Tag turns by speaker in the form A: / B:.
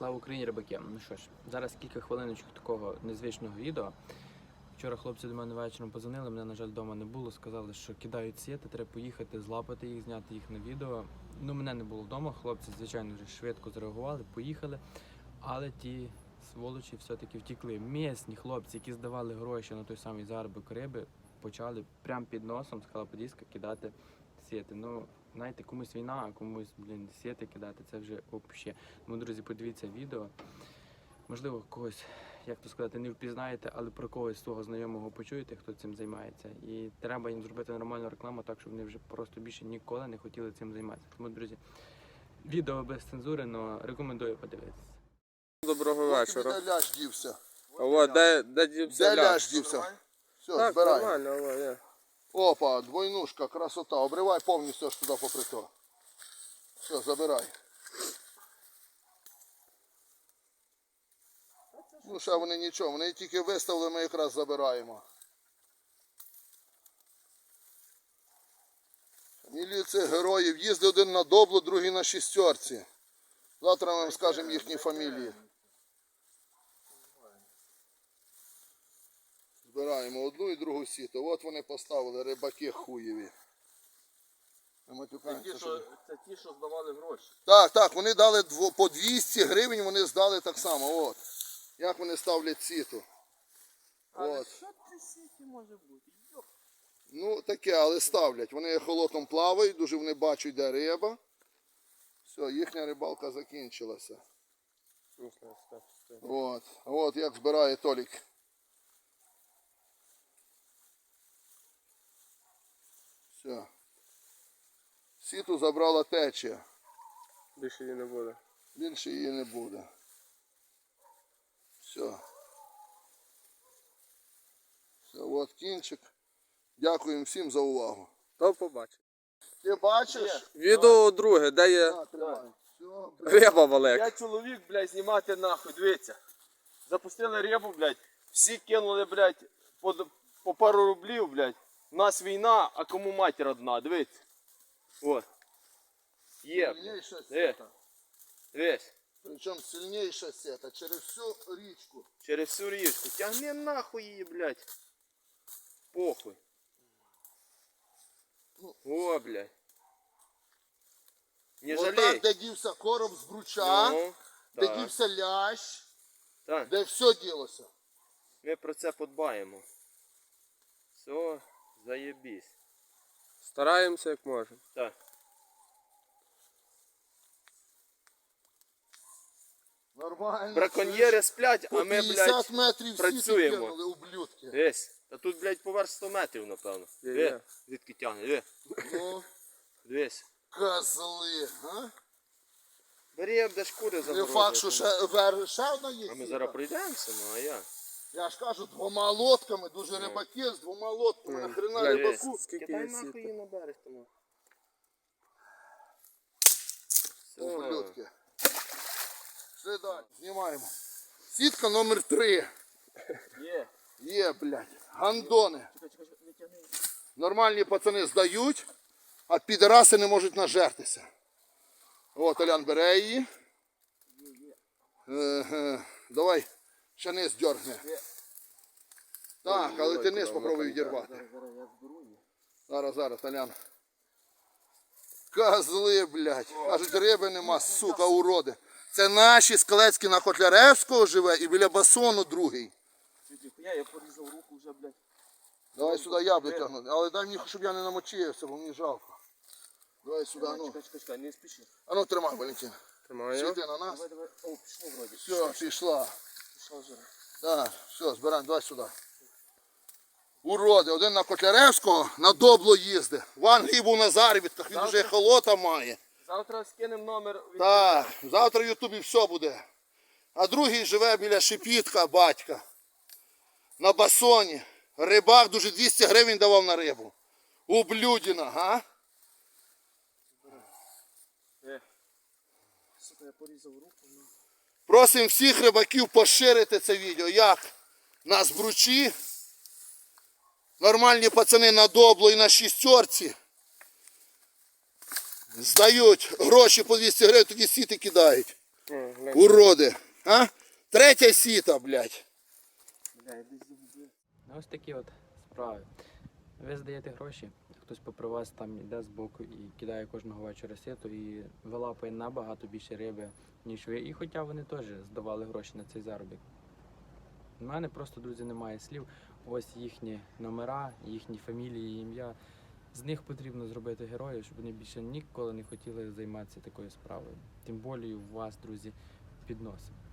A: Слава Україні, рибаки! Ну що ж, зараз кілька хвилиночок такого незвичного відео. Вчора хлопці до мене вечором подзвонили, мене, на жаль, вдома не було. Сказали, що кидають сіти, треба поїхати, злапати їх, зняти їх на відео. Ну, мене не було вдома, хлопці, звичайно, вже швидко зреагували, поїхали. Але ті сволочі все-таки втекли. Місні хлопці, які здавали гроші на той самий заробок риби, почали прямо під носом з Халаподіска кидати сіти. Ну, знаєте, комусь війна, а комусь, сіти кидати, це вже взагалі. Тому, друзі, подивіться відео. Можливо, когось, як то сказати, не впізнаєте, але про когось свого знайомого почуєте, хто цим займається. І треба їм зробити нормальну рекламу, так, щоб вони вже просто більше ніколи не хотіли цим займатися. Тому, друзі, відео без цензури, але рекомендую подивитися.
B: Доброго вечора.
C: Де ляж дівся?
B: О, де дівся
C: Де ляж дівся? Все,
B: так,
C: збирай.
B: нормально, о, є.
C: Опа, двойнушка, красота. Обривай повністю аж туди попри то. Все, забирай. Ну, ще вони нічого, вони тільки виставили, ми якраз забираємо. Фамілії цих героїв. Їздив один на Доблу, другий на шістерці. Завтра ми вам скажемо їхні фамілії. Збираємо одну і другу сіту. От вони поставили, рибаки хуєві.
B: Це ті, що здавали гроші.
C: Так, вони дали по 200 гривень, вони здали так само. От. Як вони ставлять сіту.
B: Але що це сіті може бути?
C: Ну таке, але ставлять. Вони холотом плавають, дуже вони бачать, де риба. Все, їхня рибалка закінчилася. От як збирає Толік. Все. Сіту забрала течія.
B: Більше її не буде.
C: Більше її не буде. Все. Все, от кінчик. Дякуємо всім за увагу.
B: До побачення.
C: Ти бачиш?
B: Відео друге, де є риба велика.
D: Я чоловік, блядь, знімати нахуй, дивіться. Запустили рибу, блядь, всі кинули, блядь, по пару рублів, блядь. У нас війна, а кому матір одна, дивіться. От. Є, блядь.
C: Сильніша
D: Дивись.
C: сета.
D: Дивись.
C: Причому сильніша сета через всю річку.
D: Через всю річку. Тягни нахуй її, блядь. Похуй. О, блядь. Не жалей.
C: Отак, де дівся короб з бруча,
D: Ну,
C: де
D: так.
C: дівся лящ,
D: Так.
C: де все ділося.
D: Ми про це подбаємо. Все, заєбісь.
B: Стараємося як можемо.
D: Так.
C: Нормально.
D: Браконьєри сплять,
C: По
D: а ми,
C: 50
D: блядь,
C: метрів
D: працюємо.
C: всі кинули, ублюдки.
D: дивись. Та тут, блядь, поверх 100 метрів, напевно.
B: Є.
D: Диви, звідки тягне, диви.
C: Ну,
D: Дивись.
C: козли, а?
D: Бери, де шкури
C: Не
D: забрали.
C: факт, що ще одна є.
D: А ми
C: сіта.
D: зараз пройдемося, ну а я.
C: Я ж кажу, 2 лодками, дуже рибаки з 2 лодками. Нахрена
B: Глянь,
C: рибаку?
B: скільки
D: Кидай
B: є
D: нахуй
B: сіти.
D: її на берег тому.
C: Ублюдки. Все далі, знімаємо. Сітка номер 3.
D: Є.
C: Є, блядь, гандони. Нормальні пацани здають, а підараси не можуть нажертися. От, Олян бере її. Давай, ще низ дьоргни. Так, але ти низ попробуй відірвати. Зараз, Олян. Козли, блядь. Кажуть, риби нема, сука, уроди. Це наші Скалецькі на Котляревського живе і біля басону другий.
D: Я порізав руку вже, блядь.
C: Давай сюди я буду тягнути. Але дай мені, щоб я не намочився, бо мені жалко. Давай сюди, ну.
D: Чекай, не спіши.
C: А ну тримай, Валентин.
B: Тримаю.
C: Світи на нас.
D: Давай. О, пішло вроді.
C: Все, пішла.
D: Пішло вже.
C: Так, все, збираємо, давай сюди. Уроди, один на Котляревського на Добло їздить. В Англії був на заробітках, він вже холота має.
D: Завтра скинемо номер.
C: Так, завтра в Ютубі все буде. А другий живе біля Шепітка, батька. На басоні. Рибак дуже 200 гривень давав на рибу. Ублюдіна, га?
D: Сука, я порізав руку.
C: Просимо всіх рибаків поширити це відео. Як на Збручі, нормальні пацани на Добло і на шістерці здають гроші по 200 гривень, тоді сіти кидають. Уроди. А? Третя сіта, блядь.
A: Ось такі от справи. Ви здаєте гроші, хтось попри вас там йде збоку і кидає кожного вечора сіту і вилапує набагато більше риби, ніж ви. І хоча вони теж здавали гроші на цей заробіток. У мене просто, друзі, немає слів. Ось їхні номера, їхні фамілії, ім'я. З них потрібно зробити героїв, щоб вони більше ніколи не хотіли займатися такою справою. Тим більше у вас, друзі, під носом.